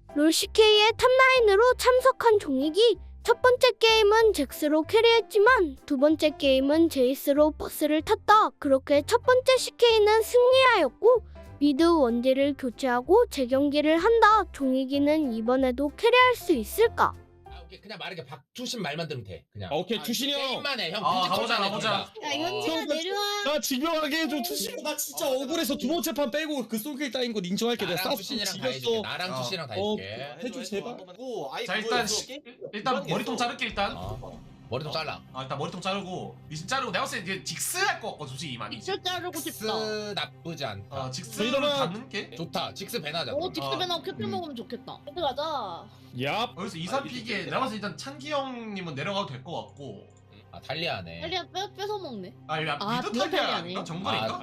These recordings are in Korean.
롤CK의 탑9으로 참석한 종익이 첫 번째 게임은 잭스로 캐리했지만 두 번째 게임은 제이스로 버스를 탔다. 그렇게 첫 번째 CK는 승리하였고 미드 원딜을 교체하고 재경기를 한다. 종익이는 이번에도 캐리할 수 있을까? 오케이 그냥 말하게 박투신 말만 들으면 돼 그냥. 오케이 투신이 형. 게임만 해 형. 가보자. 야 현지가 내려와. 나 증명하게 해줘 투신. 나 진짜 억울해서 두 번째 판 빼고 그 솔길 따인 거 인정할게. 내가 나랑 싸움 투신이랑 다 해줄게. 지렸어. 나랑 투신이랑 다 어. 해줄게. 해줘, 제발. 자 일단 머리통 자를게 일단. 머리 좀 잘라. 일단 머리통 자르고 미신 자르고 내가 봤을 때 이제 직스 할 거 같거든 솔직히 많이. 직설 자르고 직스 싶다. 나쁘지 않다. 직스를 이러면- 갖는 게 좋다. 직스 배나자. 딕스벤하고 캡틴 먹으면 좋겠다. 헤드 가자. 얍. 여기서 2, 3픽에 내가 봤을 때 일단 찬기 형님은 내려가도 될 것 같고. 아 탈리아네. 탈리아 뺏어 먹네. 미드 미드 탈리아 탈리아네. 아닌가? 정글인가?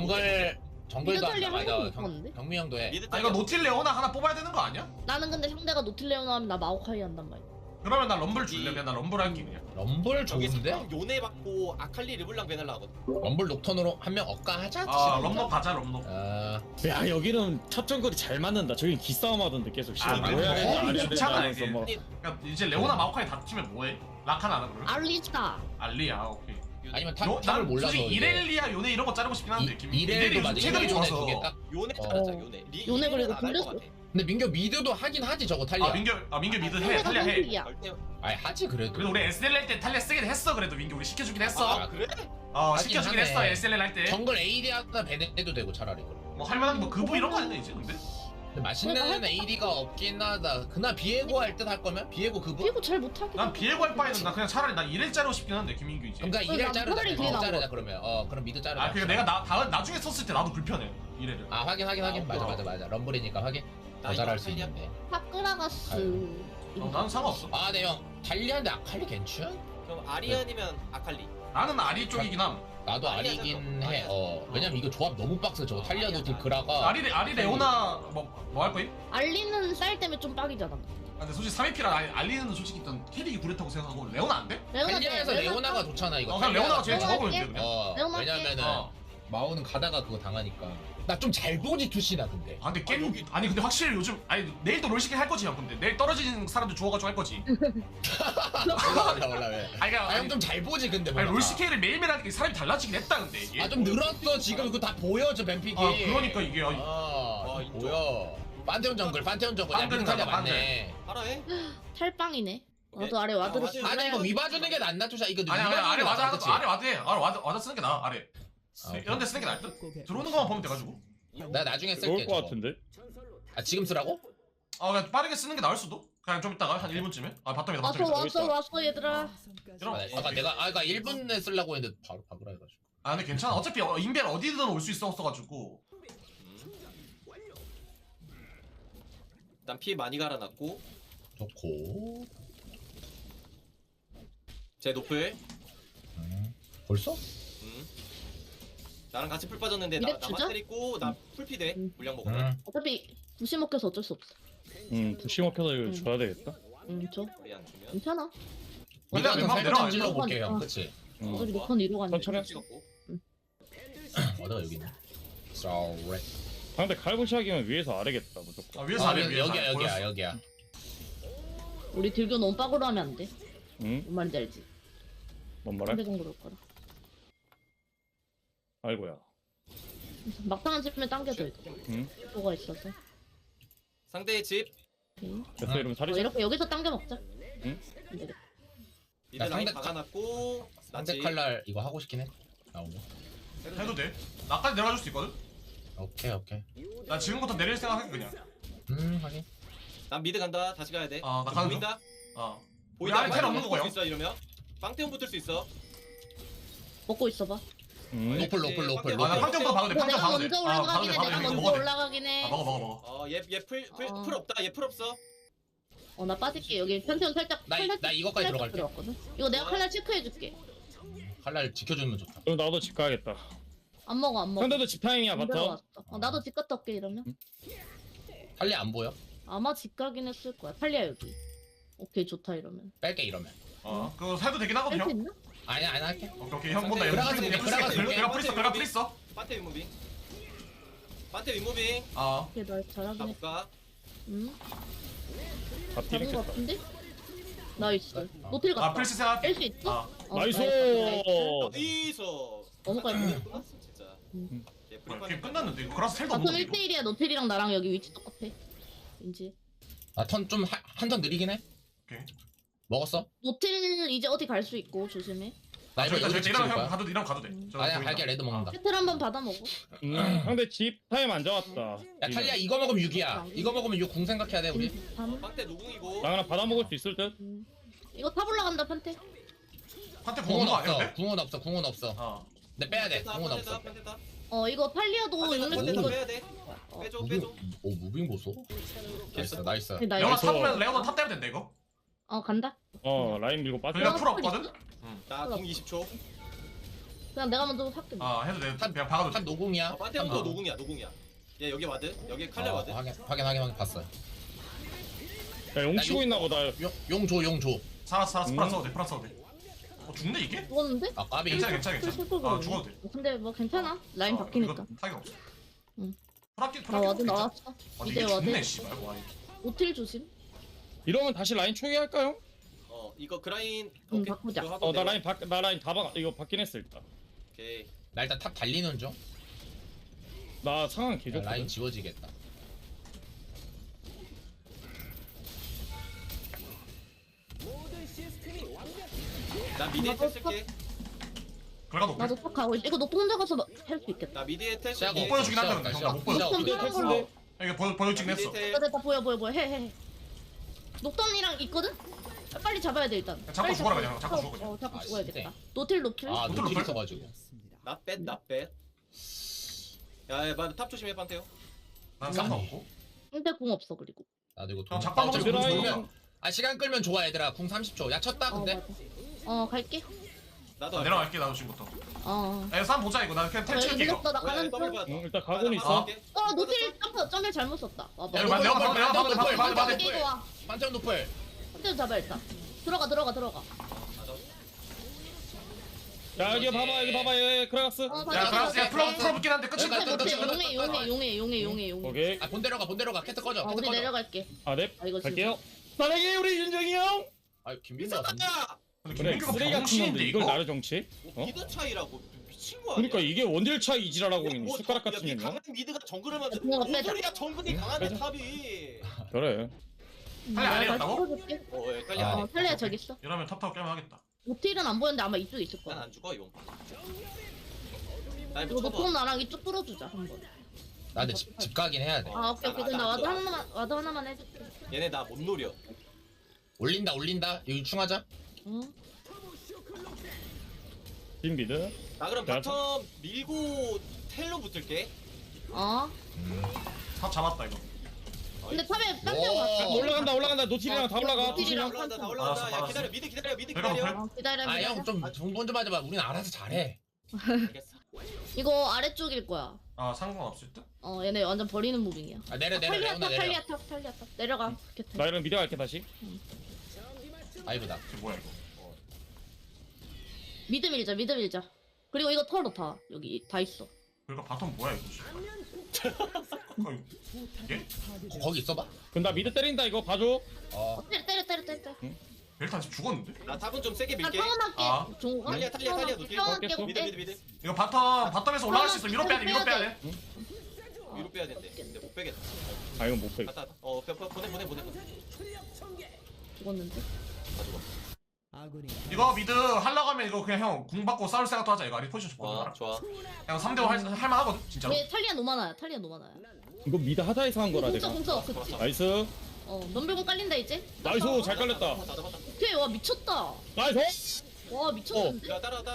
정글도 미드 한다. 탈리아 맞아. 한번 먹었는데? 경미 형도 해. 이거 노틸레오나 하나 뽑아야 되는 거 아니야? 나는 근데 상대가 노틸레오나 하면 나 마오카이 한단 말이야. 그러면 나 럼블 줄래? 그냥 나 럼블 할게 그냥. 럼블 저기 좋은데? 스팸 요네 받고 아칼리 르블랑 베날라 하거든. 럼블 녹턴으로 한 명 억가하자. 럼노 가자 럼노. 야 여기는 첫 정글이 잘 맞는다. 저긴 기싸움 하던데 계속. 아, 뭐 그래? 해야 되는지 안 해야 되는지 쉽잖아, 하면서 이게. 뭐. 그러니까 이제 레오나 마오카이 다치면 뭐해? 라칸 안 하나 그러면? 알리스타. 알리야 오케이. 아니면 난 탑을 몰라서. 솔직히 이렐리아 요네 이런 거 자르고 싶긴 한데 이렐도 맞아. 최근에 이렐 좋아서. 두개 딱. 요네 어. 잘하자 요네. 요네 그리고 안할것 돌렸어. 같아. 근데 민규 미드도 하긴 하지 저거 탈리아. 민규 미드 해 탈리아 해. 절대. 아니 하지 그래도. 그래도 우리 SL 할 때 탈리아 쓰긴 했어 그래도 민규 우리 시켜주긴 했어. 아 그래? 시켜주긴 하긴 했어 하네. SL 할 때. 정글 AD 하나 배내도 되고 차라리 그럼. 뭐 할만한 뭐 그부 이런 거 아니야 이제 근데? 근데 맛있는 AD가 없긴 하다. 그날 비에고 할 듯 할 거면 비에고 그분. 피고 잘 못하긴. 난 비에고 할 바에는 나 그냥 차라리 나 이렐 자르고 싶긴 한데 김민규 이제. 그러니까 이를 난 자르자. 차라리 그게 나은 자르자 것 그러면. 그럼 미드 자르자. 그러니까 내가 나중에 썼을 때 나도 불편해 이렐을. 확인. 맞아. 럼블이니까 확인. 더 잘할 수 있는데. 파크라가스. 나는 상관없어. 네 형. 달리한데 아칼리 괜찮? 그럼 아리아니면 아칼리. 나는 아리 쪽이긴 함. 나도 아리긴 해. 왜냐면 이거 조합 너무 빡세. 저거 탈리아 노틸 그라가. 아리 레오나 뭐 할 거임? 알리는 쌀 때문에 좀 빡이잖아. 근데 솔직히 3위피라 알리는 솔직히 일단 캐릭이 구렸다고 생각하고 레오나 안 돼? 탈리아에서 레오나가 좋잖아 이거. 그냥 레오나가 제일 레오나 좋아 보이는데 할게. 그냥. 레오나 왜냐면은 어. 마오는 가다가 그거 당하니까. 나 좀 잘 보지 투시나 근데. 근데 게임 아니 근데 확실히 요즘 내일도 롤시계 할 거지 형 근데 내일 떨어지는 사람들 주워가지고 할 거지. 몰라 왜. 그러니까 형 좀 잘 보지 근데. 아니 롤시계를 매일매일 하니까 사람이 달라지긴 했다 근데 이게. 아좀 늘었어 지금 그거 다 보여 저 뱀픽이. 그러니까 이게 인정. 보여. 판테온 정글. 야 판테온 미탈리아 정글, 맞네. 알아 해. 탈빵이네. 나도 아래 와드로 맞아. 아니 이거 위봐주는 게 낫나 투샤 이거. 아니 아래 위봐주는 게 와드 낫다, 아래 와드 해 아래 와드 쓰는 게 나아 아래. 오케이. 이런 데 쓰는 게 나을 듯. 들어오는 것만 보면 돼가지고. 나 나중에 쓸게. 좋을 것 저거. 같은데. 지금 쓰라고? 그냥 빠르게 쓰는 게 나을 수도. 그냥 좀 이따가 한 1분쯤에. 바텀이다 왔어 얘들아. 아까 내가 그러니까 1분에 쓰려고 했는데 바로 박으라 해가지고. 근데 괜찮아. 어차피 인벨 어디든 올 수 있었어가지고. 일단 피 많이 갈아놨고 좋고. 제 노플. 벌써? 나랑 같이 풀 빠졌는데 이래 주자? 나만 때리고 나 풀피돼. 물량 먹어. 어차피 부시 먹혀서 어쩔 수 없어. 부시 먹혀서 이거 줘야 되겠다. 줘. 우리 안 주면. 괜찮아. 근데 이거 웬만하면 내려가야 찔러 돼. 볼게 형. 그치? 어차피 녹턴 이로 가니까. 천천히. 찍었고. 어디가 여기 있네. Sorry. 상대 칼부시하기면 위에서 아래겠다 무조건. 위에서 아래 위에서 아래. 여기야 보였어. 여기야. 우리 딜교 너무 빡으로 하면 안 돼. 응? 뭔 말인지 알지? 뭔 말해? 상대 정도로 올 거라. 아이고야. 막상한 집면 당겨줘야 돼. 응? 뭐가 있어서. 상대의 집. 오케이. 됐어 이러면 살이. 이렇게 여기서 당겨 먹자. 응? 안 되겠다. 미드 야, 라인 상대 박아놨고. 상대 칼날 이거 하고 싶긴 해. 나오고. 해도 돼. 나까지 내려갈 수 있거든. 오케이. 나 지금부터 내릴 생각해 그냥. 확인. 난 미드 간다. 다시 가야 돼. 나 가는 중. 보인다. 우리 안에 텔 없는 붙을 거고요. 수 있어 이러면. 빵태온 붙을 수 있어. 먹고 있어봐. 응? 노플. 나 판정도 봐도 돼. 내가 판정 봐도 돼. 먼저 올라가긴 해. 내가 먼저 먹어. 올라가긴 해. 먹어. 얘풀 없다. 얘 풀 없어. 나 빠질게. 여기 편태원 살짝. 나 이거까지 살짝 들어갈게. 들어갔거든. 이거 내가 칼날 체크해줄게. 칼날 지켜주면 좋다. 그럼 나도 집 가야겠다. 안 먹어. 상대도 집 타임이야 안 바텀. 들어갔어. 나도 집 갔다 올게 이러면. 칼리 안 보여? 아마 집 가긴 했을 거야. 팔리야 여기. 오케이 좋다 이러면. 뺄게 이러면. 그거 해도 되긴 하거든 뺄 수 형. 있나? 아니야 안 할게. 오케이 형 본다. 그라가스 볼게, 그라가스 볼게. 내가 프리스. 판태 윗무빙. 판태 윗무빙. 오케이 나 잘하긴 해. 가볼까? 응? 다 잡은 거 딜했겠다. 같은데? 나이스. 노틸 갔다. 아 플스 생각. 뺄 수 있어? 나이스. 어디서 넘어갈 뻔. 진짜. 응. 얘 뭐야 프리파이어 게임 끝났는데 이거 그라스 텔도 바텀 없는데 이거. 1대1이야. 노틸이랑 나랑 여기 위치 똑같아. 왠지. 나턴 좀 한 턴 느리긴 해. 오케이. 먹었어? 노틸 이제 어디 갈 수 있고 조심해. 나 저기 이거 이러면 찍을 형 거야. 가도 이러면 가도 돼. 저 아니야 보인다. 갈게 레드 먹는다. 세틀 한번 받아 먹어. 상대 집 타임 안 잡았다. 야 탈리야 이거 먹으면 6이야. 이거 먹으면 6 궁 생각해야 돼 우리. 빵대 노궁이고. 나 그냥 받아 먹을 수 있을 듯. 이거 탑 올라간다 판테. 한테 궁은 보는 거 아니야 없어. 근데? 궁은 없어. 궁은 없어. 어. 근데 빼야 돼. 궁은 없어. 판대다. 이거 팔리아도 용렉 판대다 이거 빼야 돼. 빼줘 무빙, 빼줘. 오 무빙 보소. 나이스 나이스. 나 레오나 이거 탑보면 레오나 탑 때면 된다 이거. 간다. 라인 밀고 빠져. 그러니까 풀 없거든? 나궁 20초. 그냥 내가 먼저 할게. 아 해도 돼. 그냥 박아도 돼. 한 노궁이야. 판테부터 노궁이야 노궁이야. 얘 여기 와드. 여기 칼레 와드. 확인 봤어요. 야용 치고 있나 보다. 용 줘. 살았어 프란스 써도 돼 프란스 써도 돼. 죽네 이게? 죽었는데? 아 까비. 괜찮아. 죽어도 돼. 근데 뭐 괜찮아. 라인 바뀌니까. 이거 타격 없어. 응. 프라키 나 와드 괜찮아. 나왔어. 이게 이제 와드. 죽네 씨발. 와. 노틸 조심. 이러면 다시 라인 초기할까요? 이거 그라인. 응, 오케이. 바꾸자. 그거 하고 나 내가- 라인 이거 받긴 했어 일단. 오케이. 나 일단 탑 달리는 중. 나 상황 야, 개좋거든. 라인 지워지겠다. 나 미드에 텔 쓸게. 결과 높게. 나도 탑 가고 있어. 이거 노트 혼자 가서 할 수 있겠다. 나 미드에 텔 시작. 쓸게. 못 보여주긴 한다, 근데. 시작. 못 보여줘. 시작. 근데 텍스인데. 이게 보여주긴 했어. 미드에 텔. 됐다 보여. 해. 녹턴이랑 있거든? 빨리 잡아야 돼 일단. 잡고 빨리 죽어라, 잡고. 그냥. 잡고 죽어, 그냥. 잡고 아, 죽어야겠다. 노틸 노킬. 아 노틸 노틸 노틸? 있어가지고. 나 뺐. 야, 탑 조심해 판테요. 난 상관없고. 근데 공 없어 그리고. 나도 이거 형 작방 좀 먹으면 드라이. 끌면. 아 시간 끌면 좋아 얘들아. 궁 30초. 야 쳤다 근데. 맞아. 갈게. 나도 내려갈게 나도 지금부터. 어. 쌈 보자 이거. 나 그냥 텔 여기 칠게 이거. 밀렸어 나 가는 중. 일단 가고는 있어. 노틸 점프 잘 못 썼다. 와봐. 내가 내가 이거 와. 반전 노플. 한대 잡아 일단. 들어가. 야 여기 봐봐 얘 크라가스. 야 그라스 야 풀어 붙긴 한데 끝이. 용해. 오케이. 아 본대로 가. 캐트 꺼져. 캐트 우리 꺼져. 내려갈게. 네 이거 갈게요. 사랑해 우리 윤정이 형. 아 김민호 같은데. 근데 그래 김민규가 쓰레기 같은 병신인데 놈들 이걸 이거. 나를 정치? 미드 차이라고 미친 거 아니야? 그러니까 이게 원딜 차이 이지라라고 뭐, 숟가락 야, 같은 년요. 강한 미드가 정글을 만든 그냥 뭔 빼자. 소리야 정글이 강한데 빼자. 탑이. 그래. 탈리 안 해봤다고? 예, 빨리 아. 안 해. 탈리야 저기 있어. 이러면 탑 깨면 하겠다. 노틸은 안 보였는데 아마 이쪽에 있을 거야. 난안 죽어 이거. 나 이거 이거 노통 쳐봐. 나랑 이쪽 뚫어주자 한번. 나 근데 집 가긴 해야 돼. 오케이. 그럼 나 와드 하나만 해줄게. 얘네 나 못 노려. 올린다. 이거 충하자. 응. 빈비드. 나 그럼 자, 바텀 밀고 텔로 붙을게. 탑 잡았다 이거. 근데 탑에 와. 깜짝 봤어. 올라간다. 노틸이랑 다 올라가. 노틸이랑 노틸이랑. 다 올라간다. 야 알았어. 기다려 미드 기다려. 내가 높여? 기다려. 아 형 좀 정본 좀 하자. 우린 알아서 잘해. 알겠어. 이거 아래쪽일 거야. 아 상관없을 듯? 얘네 완전 버리는 무빙이야. 아 내려. 탈리아 레오나 내려. 탈리아 탑. 내려가. 나 이런 미드 갈게 다시. 아이브다. 이게 뭐야 이거? 미드 밀자. 그리고 이거 털어 다 여기 다 있어. 그러니까 바텀 뭐야 이거? 이게? 거기 있어봐. 그럼 나 미드 때린다 이거 봐줘. 때려. 벨탄 지금 죽었는데? 나 탑은 좀 세게 나 밀게. 타원할게. 아. 종호가. 탈리아 노틸. 타원할게. 어, 미드. 이거 바텀에서 올라갈 수 있어. 위로 빼야 돼. 위로 빼야 된대. 근데 못 빼겠다. 아 이건 못 빼. 갔다. 보내. 죽었는데. 이거 미드 하려고 하면 이거 그냥 형 궁 받고 싸울 생각도 하자. 이거 아리 포지션 좀 좋아 보는 좋아. 형 3대5 할 만하거든 진짜로. 얘 탈리아 노마나야. 이거 미드 하자에서 한 거라 내가. 공서 그치. 나이스. 넘별공 깔린다 이제. 나이스 잘 깔렸다. 다 잡았다. 오케이 와 미쳤다. 나이스. 와 미쳤는데. 야 따라와.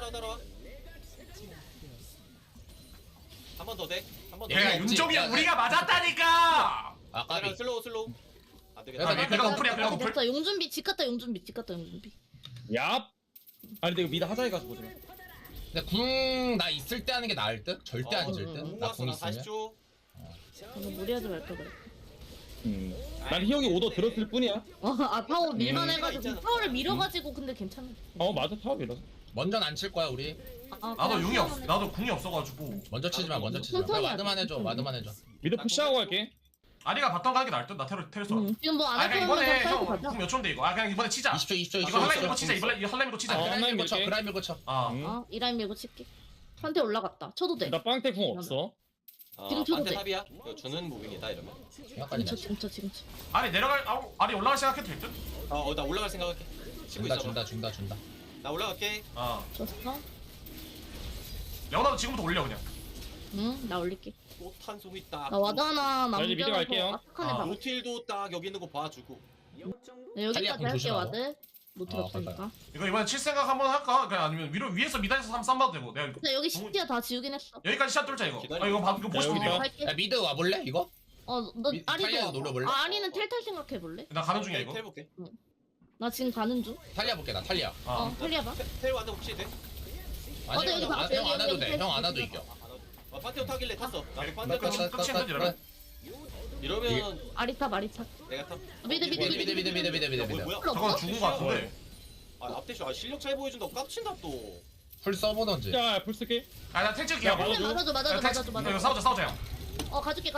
한 번 더 돼. 한 번 더. 야 없지. 윤종이 야, 형 우리가 맞았다니까. 아 까비. 슬로우. 안 되겠다. 야, 그러니까 노플이야. 그러니까 노플. 됐다. 용준비 집 갔다 용준비. 얍. 아니 근데 이거 미드 하자에 가서 보자. 근데 궁 나 있을 때 하는 게 나을 듯? 절대 안 질 듯? 나 왔어. 궁 나 있으면. 40초. 이거 무리하지 말까 그래. 난 희영이 오더 들었을 뿐이야. 파워 밀만 해가지고 있잖아. 파워를 밀어가지고 근데 괜찮아. 맞아 타업이라. 먼저는 안 칠 거야 우리. 나도 용이 없. 나도 궁이 없어가지고. 먼저 치지 마. 천천히 와드만 해줘. 하자. 와드만 해줘. 미드 푸시하고 갈게. 아리가 바텀 가는 게 나을 듯나 테러 써. 지금 뭐 아 안 그냥 할 거면 이번에 그냥 빨리 가자. 형몇 초인데 이거. 아 그냥 이번에 치자. 20초 20초 이거 한라인 밀고 20초 치자. 이번에 한라인 밀고 치자. 어. 그라이 밀고 쳐 밀게. 그라이 밀고 쳐 어, 이 라인 밀고 칠게. 한테 올라갔다. 쳐도 돼. 나 빵태 궁 없어. 지금 쳐도 반대 돼. 탑이야. 이거 주는 무빙이다 이러면. 약간이 지금 쳐. 아리 내려갈 아리 올라갈 생각해도 될 듯? 나 올라갈 생각할게. 치고 준다 있어. 준다 나 올라갈게. 줬어? 레오나도 지금부터 올려 그냥. 응, 나 올릴게. 또 탄송이 딱. 나 와드 하나 나 이제 미드 남겨서 갈게요. 아칸에 아. 박을게. 노틸도 딱 여기 있는 거 봐주고. 네, 여기까지 탈리아 공 할게 조심하고. 와드. 노트 없으니까. 이거 이번에 칠 생각 한번 할까? 그냥 아니면 위에서 미단에서 한번 쌈봐도 되고. 내가 근데 여기 시티야 다 지우긴 했어. 여기까지 샷 뚫자 이거. 기다려. 이거 이거 보고 싶은데 여기다. 이거. 할게. 야 미드 와볼래 이거? 너 탈리아 아리도. 노려볼래? 아, 아리는 텔탈 생각해볼래? 나 가는 중이야 이거. 텔 볼게. 나 지금 가는 중. 탈리아 볼게 나 탈리아 탈리아 봐. 텔 와드 혹시 돼? 아니 여기 봐, 형 안 여기, 와도 여기, 돼형 안 와도 여기. 이겨 판테온 타길래 탔어. 나도 나 판테온 끝이 탔어. 끝이 이러면. 이러면 아리타 마리타. 내가 탑. 미드. 뭐야? 저건 죽은 거 같은데. 앞대쇼 실력 차이 보여준다고 깝친다 또. 풀 써보던지 야, 풀 쓸게. 아나 탱 찍을게. 야, 형. 맞아줘. 이거 싸우자 형. 가줄게.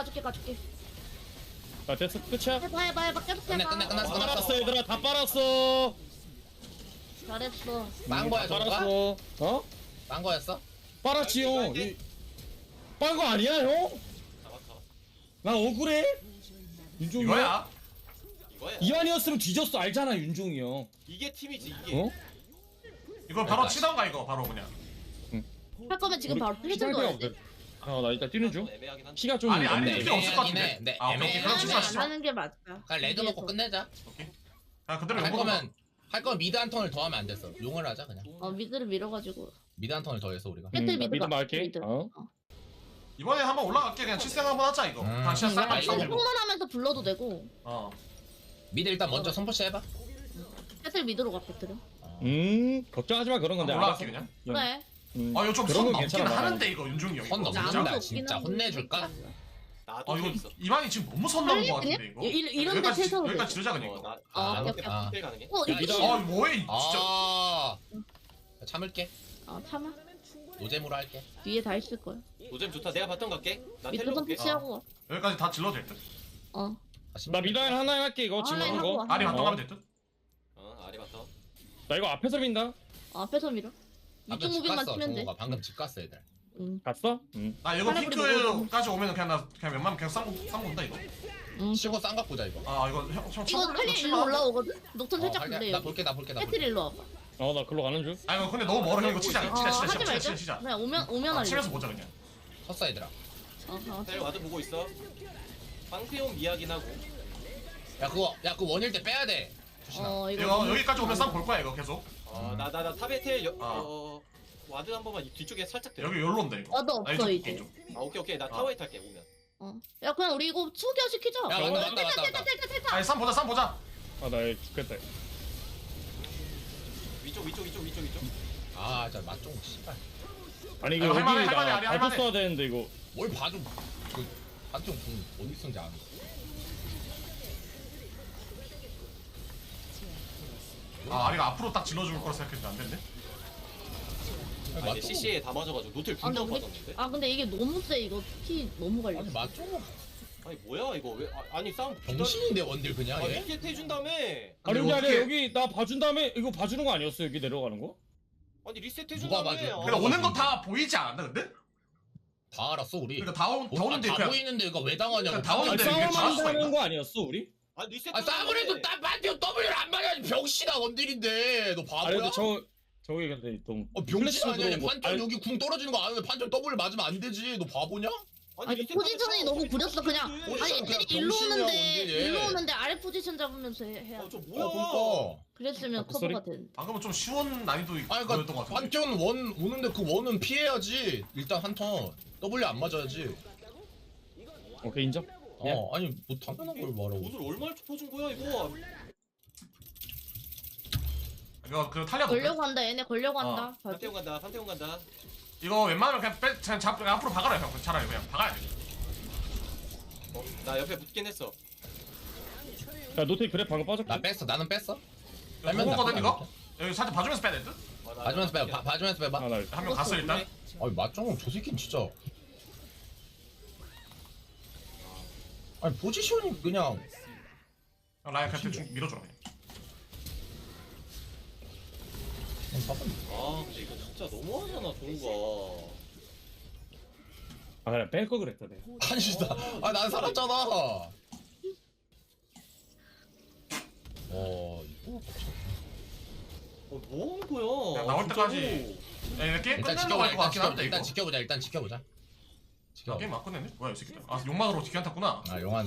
나 됐어. 끝이야. 해봐. 계속 끝내 해봐. 끝났어 빨았어 얘들아. 다 빨았어. 잘했어. 딴 거야 다 저거? 빨았어. 어? 딴 거였어? 빨았지 형. 빨게. 빨거 아니야 형? 잡아. 나 억울해. 윤종이 형. 이거야. 이거야. 이완이었으면 뒤졌어. 알잖아 윤종이 형. 이게 팀이지 이게. 어? 이거 바로 치던가 이거 바로 그냥. 할 거면 지금 바로 우리 해준 시간대가 거야 돼. 없거든. 나 일단 뛰는 중. 애매하긴 한데. 피가 좀 아니 없네. 필요 없을 것 같은데. 애매하긴 해. 아 오케이 애매하긴 그럼 해. 치지 마 치지 안 마. 하는 게 맞다. 그냥 레드 먹고 끝내자 오케이. 아 그대로 할 용거 거면 미드 한 턴을 더 하면 안 됐어 용을 하자 그냥 미드를 밀어가지고. 미드 한 턴을 더 해서 우리가 배틀 미드 미드 가. 말게. 미드. 어? 이번에 한번 올라갈게 그냥 칠생 한번 하자 이거. 다시 한 쌍방 아이고. 싸움 들고. 통만하면서 불러도 되고. 미드 일단 먼저 선포시 해봐 배틀 미드로 가 배틀은. 걱정하지 마 그런 건데. 올라갈게 알았어. 그냥. 그래. 아 이거 좀 그런 선 건 넘긴 괜찮아, 나는. 하는데 이거 윤중이 형. 선 이거 넘는다. 진짜. 아무도 진짜 없긴 혼내줄까? 한데. 나도 이거 있어. 이만이 지금 너무 선 넘은 거 같은데 이거. 이런 데 여기까지 세서 여기까지 지르자 그냥 이거. 나 아, 오케이, 오케이. 아. 텔 가능해? 야, 이거 이거- 아 뭐해 진짜. 아 참을게 참아. 노잼으로 할게 뒤에 다 있을 거야. 노잼 좋다. 내가 바텀 갈게. 나 미드 텔로 볼게. 선택하고. 여기까지 다 질러도 될 듯. 나 미라인 하나 할게 이거 지금 하나 하는 하고 거. 와. 아리 바텀 어. 가면 될 듯. 아리 바텀. 나 이거 앞에서 민다. 앞에서 밀어. 방금 이쪽 집 무빙만 갔어 치면 돼. 동호가 방금 집 갔어 애들 갔어? 나 이거 하나 그리고 핑크까지 오면은 그냥 웬만하면 그냥 쌍 본다 이거. 치고 쌍각 보자 이거 아 이거 형 이거 쳐볼래? 탈리 일로 올라오거든? 녹턴 살짝 할게. 볼래 나 여기. 볼게 배틀 일로 와봐. 나 글로 가는 중. 아 이거 근데 너무 멀어 형 이거 치자 하지 말자. 치자. 그냥 오면 할래. 치면서 보자 그냥. 섰어 얘들아 텔 와드 보고 있어. 방피용 이야긴 하고. 야 그거 원일 때 빼야 돼 조심하 이거 여기까지 오면 쌈 볼 거야 이거 계속. 나 탑에 텔 아. 와드 한 번만 뒤쪽에 살짝 대. 여기 열로인데 이거. 와도 아니, 없어 좀, 이제. 좀. 오케이. 나 타워에 탈게 오면. 야 그냥 우리 이거 투겨 시키자. 야 맞다 탈타. 아니 쌈 보자. 나 죽겠다. 위쪽. 아 진짜 맛좀 씨발 아니 이거 야, 여기 할만해, 나 할만해, 발표 할만해. 써야 되는데 이거. 뭘 봐줘 그 한쪽 어디 쓴지 아는 아 아리가 앞으로 딱 질러줄 거라 생각했는데 안 됐네. 아니 CC에 다 맞아가지고 노틸 분명 빠졌는데. 근데 이게 너무 세 이거 피 너무 걸려. 아니 맛좀 아니 뭐야 이거 왜? 아니 싸움 병신인데 원딜 그냥 얘 리셋 해준 다음에. 아니 근데 근데 어떻게- 여기 나 봐준 다음에 이거 봐주는 거 아니었어 여기 내려가는 거? 아니 리셋 해준 누가 다음에. 봐줘? 근데 오는 거 다 보이지 않았나 근데? 다 알았어 우리 그러니까 다 오는데 다 그냥 보이는데 이거 왜 당하냐고 그냥 다 아니 오는데 이게 잘할 수가 싸움한다는 있나? 거 아니었어 우리? 아니 리셋. 아 싸움을 해도 딱 반대로 W를 안 맞아야지 병신아 원딜인데 너 아니 바보야? 근데 저기 근데 좀 병신 아니야 들어오고- 판정 아니, 여기 궁 떨어지는 거 아는데 판정 W 맞으면 안 되지 너 바보냐? 아니 포지션이 너무 구렸어 그냥. 포지션 아니 그냥 애들이 일로 병신이야, 오는데 원딜이. 일로 오는데 아래 포지션 잡으면서 해야. 저 뭐야? 그러니까 그랬으면 그 소리? 커버가 된. 방금은 좀 쉬운 난이도 아니 였던 그러니까 것 같은데. 판테온 원 오는데 그 원은 피해야지 일단 한턴 W 안 맞아야지 오케이 인정. 아니 뭐 당연한 걸 말하고 옷을 얼마나 퍼준 거야 이거? 이거 그 탈리아 걸려고 한다 얘네 걸려고 한다. 판테온 간다. 이거 웬만하면 그냥 잡 앞으로 박아라 형 차라리 그냥 박아야 돼. 나 옆에 붙긴 했어. 야 노트 그래 방금 빠졌고. 나 뺐어 나는 뺐어 이거 빼면 보고거든 나쁘지 이거? 여기 살짝 봐주면서 빼야 될 듯? 봐주면서 빼봐 봐주면서 빼봐 나 한 명 갔어 일단. 아니 맞짱 저 새끼는 진짜 아니 포지션이 그냥 형 라인 그냥 대충 밀어줘라 그냥. 아 근데 이거 진짜 너무하잖아 종우가. 아 그냥 뺄 거 그랬다 내가. 아니 진짜 아난 살았잖아. 이거 뭐 하는 거야? 야, 나올 진짜로. 때까지. 야 얘네 게임 일단 끝내려고 할 것 같긴 한데 이거. 일단 지켜보자. 일단 지켜보자. 야, 지켜. 게임 막 끝냈네? 뭐야 이 새끼들. 아 용만으로 기한 탔구나. 아 용한다.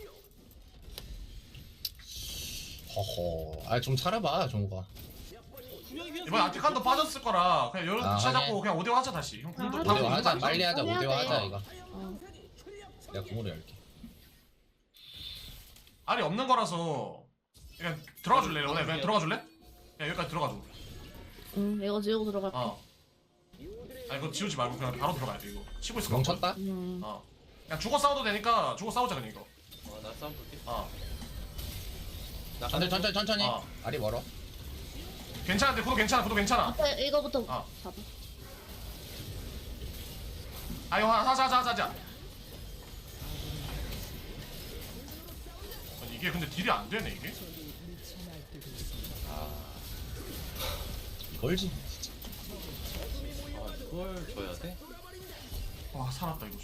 허허. 아 좀 차려봐 종우가. 분명히 그냥 이번 아티칸도 빠졌을 거라 그냥 여러 아, 시작 하긴. 잡고 그냥 5대5 하자 다시. 형 궁도 아, 오대오 방금 하자. 궁도 빨리 하자. 해야 오대오 돼. 하자 이거. 어. 내가 궁으로 열게. 알이 없는 거라서 그냥 들어가 줄래? 너네 그냥 들어가 줄래? 야 여기까지 들어가 줘. 응, 이거 지우고 들어갈게. 아 이거 지우지 말고 그냥 바로 들어가야 돼 이거. 치고 있을 거 같거든? 멈췄다? 어. 그냥 죽어 싸워도 되니까 죽어 싸우자 그냥 이거. 나 싸움 볼게. 나 천천히. 어. 알이 멀어. 괜찮은데 구도 괜찮아. 앞에 이거부터 어. 잡아. 아 이거 하자. 아니, 이게 근데 딜이 안 되네 이게. 이걸지. 아 이걸 줘야 돼? 와 살았다 이거.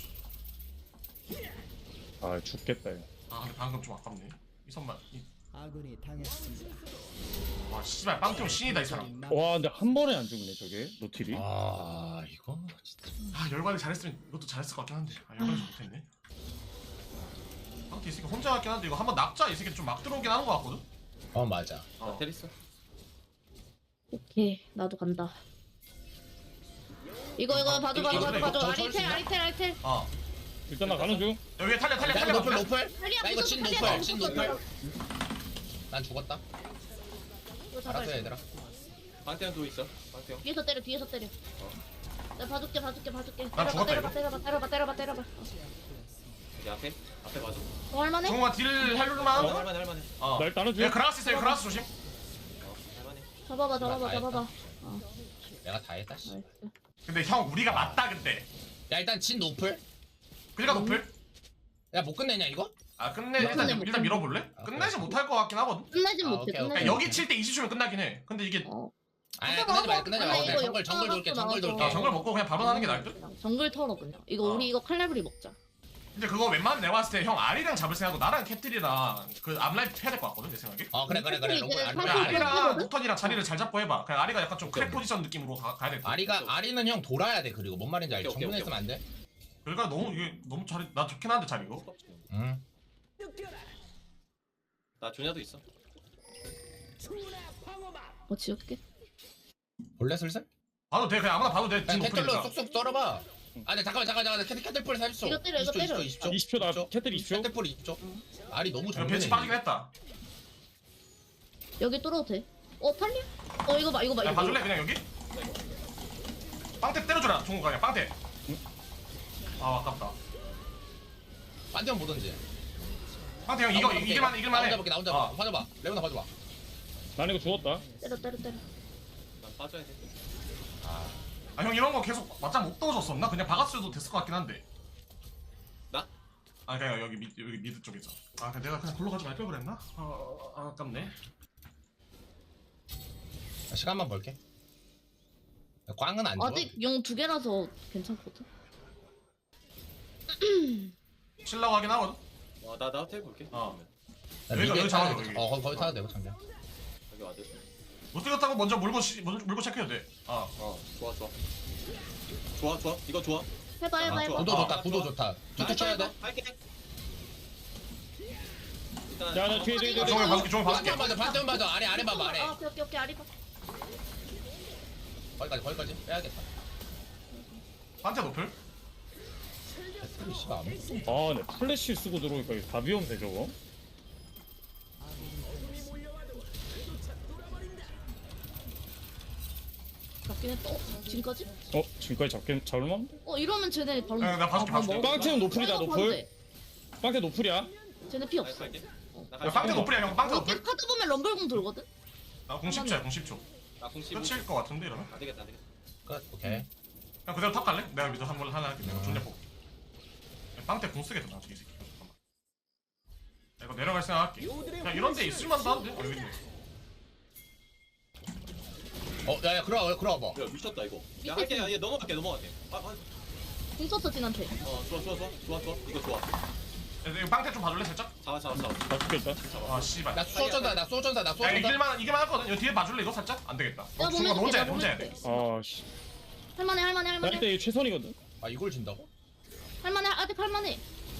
아 죽겠다 이거. 아 근데 방금 좀 아깝네. 이 선만. 아군이 당했습니다. 와 씨발 빵태형 신이다 이 사람. 와 근데 한 번에 안 죽네 저게 노틸이. 아 이거 진짜. 아 열받이 잘했으면 이것도 잘했을 것 같긴 한데. 아 열받이 못했네. 빵태 이 새끼 혼자 같긴 한데 이거 한번 낙자 이 새끼 좀 막 들어오긴 하는 것 같거든. 맞아. 나 테리스. 오케이, 나도 간다. 이거 봐줘. 이거 저 수 있나? 아리텔. 일단 나 가는 중. 여기 탈려 노플. 탈리아 나 이거 진 무조건 노플. 탈리아 진 무조건 노플. 난 죽었다. 이거 잡아야 알았어 돼. 얘들아. 방태형 누워 있어. 방태형. 뒤에서 때려. 내가 봐줄게. 나 죽었다, 때려봐. 여기 앞에 봐줘. 할만해? 정우가 딜 할만한 거? 할만해. 어. 나 일단 하는 중. 야 그라스 있어요 그라스 조심. 할만해. 잡아봐. 내가 다 했다. 씨. 나이스. 근데 형 우리가 맞다 근데. 야 일단 진 노플. 그니까 노플? 야 못 끝내냐 이거? 아 끝내 못 끝내. 일단 밀어볼래? 아, 끝내지 그래. 못할 것 같긴 하거든. 끝내진 아, 못해. 오케이, 그러니까 오케이. 여기 칠 때 20초면 끝나긴 해. 근데 이게 아니 끝내지 말고 아니, 그냥 이거 정글 역전하고 돌게. 나와서. 아, 정글 먹고 그냥 바로 하는 게 나을 듯? 정글 털어 그냥. 이거 어. 우리 이거 칼날브리 먹자. 근데 그거 웬만하면 내가 봤을 때 형 아리랑 잡을 생각하고 나랑 캡틀이랑 그 앞라인 해야 될 것 같거든 내 생각에. 그래 이제 롱볼 팔- 그냥 팔- 아리랑 노턴이랑 자리를 잘 잡고 해봐. 그냥 아리가 약간 좀 크랙 오케이. 포지션 느낌으로 가야 될 듯. 아리는 형 돌아야 돼. 그리고 뭔 말인지 알지? 오케이, 정문에 오케이, 있으면 안 돼. 그러니까 너무 이게 너무 잘해. 나 좋긴 한데 잘 이거. 응. 나 조냐도 있어. 지울게. 볼래 슬슬? 봐도 돼 그냥 아무나 봐도 돼. 그냥 지금 캐틀로 노플이니까. 쏙쏙 썰어봐. 아 근데 잠깐만 캐틀풀 40초. 이거 때려, 이거 때려. 20초 나 캐틀 20초. 캐틀풀 20초. 알이 너무 이거 정면에 벤치 빠지긴 했다. 여기 뚫어도 돼. 탈리아? 이거 봐. 야 봐줄래 그냥 여기? 빵태 때려줘라 종우가 그냥 빵태. 아 아깝다. 반대만 보던지. 빵태 형 이거 이길만해. 나 혼자 볼게. 나 혼자 어. 봐줘봐. 레오나 봐줘봐. 난 이거 죽었다. 때려. 난 빠져야 돼. 아 형 이런 거 계속 맞짱 못 떠줬었나? 그냥 박았어도 됐을 것 같긴 한데. 나? 아 그냥 여기 미드 쪽에서. 아 내가 그냥 골로 가지 말 걸 그랬나? 아깝네. 시간만 볼게. 꽝은 안 줘. 아직 용 2개라서 괜찮거든. 칠라고 하긴 하거든. 나 호텔 볼게. 어. 나 여기가 미드에 여기 타도 잡아줘, 되고. 여기. 거기 타도 되고 장전. 여기 와드. 못생겼다고 먼저 물고 체크해도 돼. 좋아. 이거 좋아. 해봐. 좋아. 구도 좋다. 툭툭 쳐야 돼. 할게. 야, 나 뒤에. 종이 봐줄게. 반대만 맞아. 아래 봐봐. 아래. 오케이. 아리 봐. 거기까지 빼야겠다. 판테 노플? 캐틀이 씨발 안 아, 네 플래시 쓰고 들어오니까 이거 다 위험해 저거. 잡긴 했다. 지금까지? 지금까지 잡을만? 이러면 쟤네 바로. 네, 나 봐줄게. 빵태는 노플이다 이거 봐도 노플. 돼. 빵태 노플이야. 쟤네 피 없어. 할게. 야 빵테 노플이야 형. 빵테 이렇게 노플? 하다 보면 럼블공 돌거든? 나 010초야 010초. 나 공식. 끝일 것 같은데 이러면? 안 되겠다. 끝. 오케이. 그냥 그대로 탑 갈래? 내가 미드 한번 하나 할게. 내가 존나 뽑. 빵테 공 쓰겠다 나중에 이 새끼. 이거 내려갈 생각할게. 그냥 이런 데 있을만도 한데. 여기 있네. 야야 그럼 봐. 야 미쳤다 이거. 야 할게. 얘 넘어갈게. 궁 썼어 진한테. 좋아. 이거 좋아. 이거 빵태 좀 봐줄래 살짝? 잡아. 나 죽겠다. 아 씨발. 나 쏘전다. 야 이길만 하거든. 이거 뒤에 봐줄래 이거 살짝? 안 되겠다. 야 중간 혼자 해. 나 혼자 해야 돼. 아씨. 할만해. 나 이때 이거 최선이거든. 아 이걸 진다고? 할만해. 아직 할만해.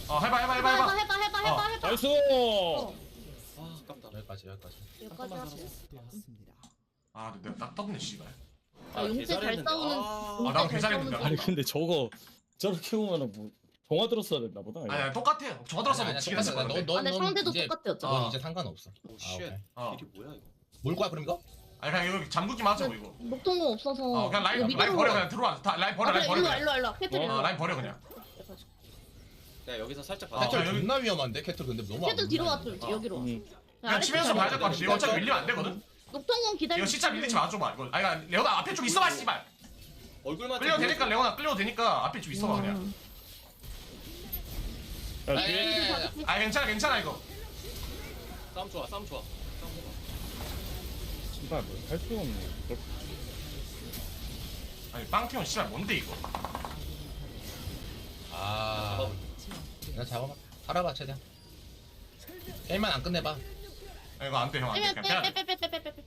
해봐. 나이스. 아 아깝다. 여기까지. 여기까지 하지. 되었습니다. 아 근데 내가 딱 떴네 씨발. 아, 용태 잘 개잘했는데. 싸우는. 아, 용태 나도 잘 개잘했는데. 싸우는 아니 중. 근데 저거 저렇게 보면은 뭐 정화 들었어야 됐나 보다. 이거. 아니 똑같아. 저 들었어도 아니야, 지긴 했을 똑같아. 건데. 아, 내 상대도 이제- 똑같아 어차피. 넌 이제 상관없어. 오 아, 쉣. 오케이. 어. 이게 뭐야 이거? 뭘 거야 그럼 이거? 아니 그냥 이거 잠그기만 하자고 이거. 녹통공 없어서. 그냥 라인 이거 라인 미드로- 버려 그냥 들어와. 라인 버려. 그래, 일로 와. 그냥. 캐틀 일로 와. 라인 버려 그냥. 야 여기서 살짝 아, 받아. 캐틀 여기- 존나 위험한데 캐틀 근데 너무 안 캐틀 뒤로 와. 위험해. 여기로. 그냥 치면서 봐야 될 것 같아. 이거 어차피 밀리면 안 되거든. 녹통공 기다려. 이거 진짜 밀리지 마줘봐. 이거 아니 그러니까 레오나 앞에 좀 있어봐 씨발. 얼굴만 끌려도 되니까 레오나 끌려도 되니까 앞에 좀 있어봐 그냥. 야, 야, 뒤에 야, 야. 아 괜찮아 이거. 싸움 좋아. 씨발 뭐할 수가 없네. 아니 빵티온 씨발 뭔데 이거? 아, 내가 잡아봐. 살아봐 최대한. 게임만 안 끝내봐. 이거 안 돼 형 안 돼. 그냥 빼야 돼. 빼빼빼빼빼빼빼.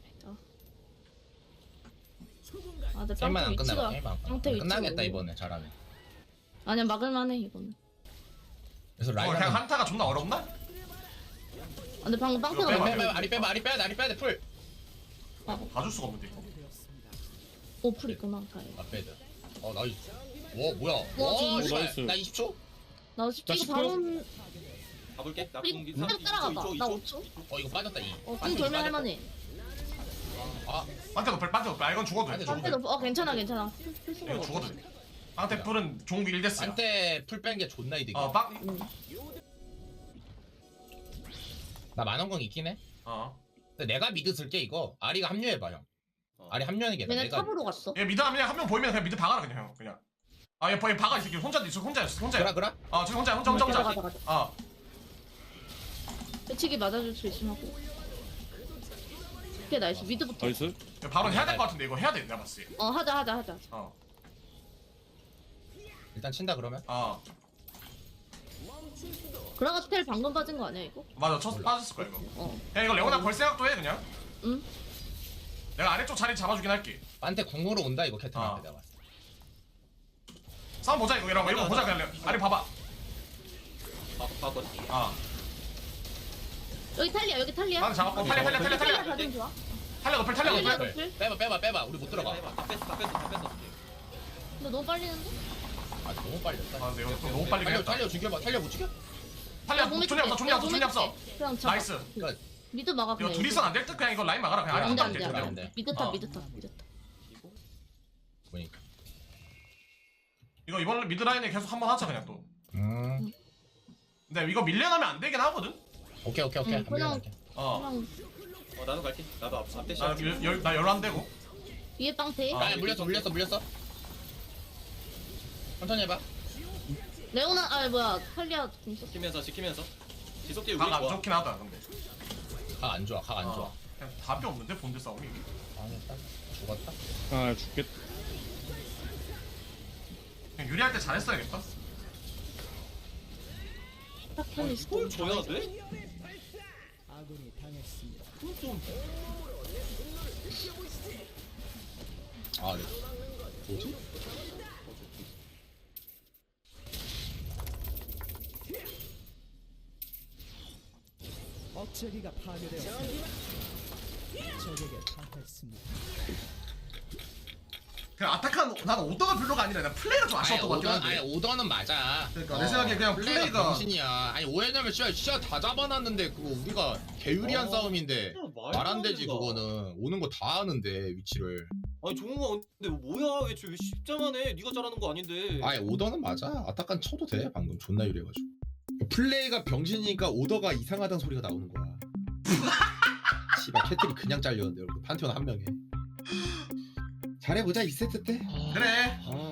아, 내 게임만 안 빵태 끝내봐. 위치가. 게임만 안 빵태 끝내. 끝나겠다 위치가 이번에 잘하면. 아니야 막을만해 이거는. 그래서 라인 그냥 하면 한타가 존나 어렵나? 아, 근데 방금 빵태가 빼봐, 너무. 빼봐. 아리 빼야 돼 풀. 봐줄 수가 없는데 이거. 오플 있구나. 가요. 앞에드. 나이스. 와 뭐야? 와, 와 진짜. 씨발. 나 20초? 나 나 10초 10초? 바로. 가볼게. 나 이거 공기 계속 따라가봐. 나 5초. 이거 빠졌다 이. 공 돌면 할만해. 빵태 높을. 아 이건 죽어도 돼. 빵태 빵태 높. 괜찮아. 이거 죽어도 돼. 빵태 뿔은 종국 1데스야. 한테 풀 뺀 게 존나 이득이야. 빵. 나 만원공 있긴 해. 근데 내가 미드 쓸게 이거. 아리가 합류해봐 형. 아리 합류하는 게 얘네 내가. 탑으로 갔어. 얘 미드 하면 한 명 보이면 그냥 미드 박아라 그냥 형 그냥. 얘 박아 이 새끼 혼자야. 그라. 저 혼자. 가자. 배치기 맞아줄 수 있으면 하고. 오케이 나이스 미드부터. 나이스. 바로 해야 될 것 같은데 이거 해야 돼 내가 봤을 때. 하자. 일단 친다 그러면. 그라가 스텔 방금 빠진 거 아니야 이거? 맞아 빠졌을 거야 이거. 그냥 이거 레오나 걸 생각도 해 그냥. 응. 내가 아래쪽 자리 잡아주긴 할게. 한테 궁으로 온다 이거 캐틀한테 내가. 싸움 보자 이거 이런 거 보자 그냥. 아래 봐봐. 바꿨. 여기 탈리야. 나는 잡았고 탈려. 가장 좋아. 탈려 높을. 빼봐. 우리 못 들어가. 다 뺐어. 근데 너무 빨리는데? 아 너무 빨렸다. 근데 이거 너무 빨리 그냥. 탈려 죽여봐. 탈려 못 죽여? 탈려 존이 없어. 그냥 잡아. 나이스. 미드 막아 이거 그냥. 둘이선 안 될 듯 그냥 이거 라인 막아라 그냥. 아래 안돼 안 돼. 안돼. 미드 탑. 보니까. 이거 이번 미드 라인에 계속 한번 하자 그냥 또. 음. 근데 이거 밀려나면 안 되긴 하거든. 오케이. 그냥- 그냥. 그냥 나도 갈게. 나도 앞대 시 나 열안 되고. 위에 빵태. 아 물렸어. 천천히 해봐. 레오나 탈리아 공 썼어. 지키면서. 지속기 우리 각 안 좋아. 좋긴 하다 근데. 각 안 좋아. 그냥 답이 없는데 본드 싸움이. 망했다. 죽었다. 아 죽겠다. 그냥 유리할 때 잘했어야겠다. 딱 탈리. 뭘 줘야 돼? 아군이 당했습니다. 아 네. 뭐지? 억제기가 파괴되었습니다. 적에게 당했습니다. 그냥 아타칸 나는 오더가 별로가 아니라 나 플레이가 좀 아쉬웠던 것 같긴 한데. 오더는 맞아. 그러니까 내 생각에 그냥 플레이가 병신이야. 아니 오해냐면 진짜 다 잡아놨는데 그거 우리가 개유리한 싸움인데 말 안 되지 그거는. 오는 거 다 아는데 위치를. 아니 종우가 근데 뭐야 왜 십자만 해? 네가 잘하는 거 아닌데. 아니 오더는 맞아. 아타칸 쳐도 돼. 방금 존나 유리해가지고. 플레이가 병신이니까 오더가 이상하다는 소리가 나오는 거야. 씨발 캐틀이 그냥 잘렸는데 여러분 판테온 한 명에. 잘해보자 2세트 때. 그래. 아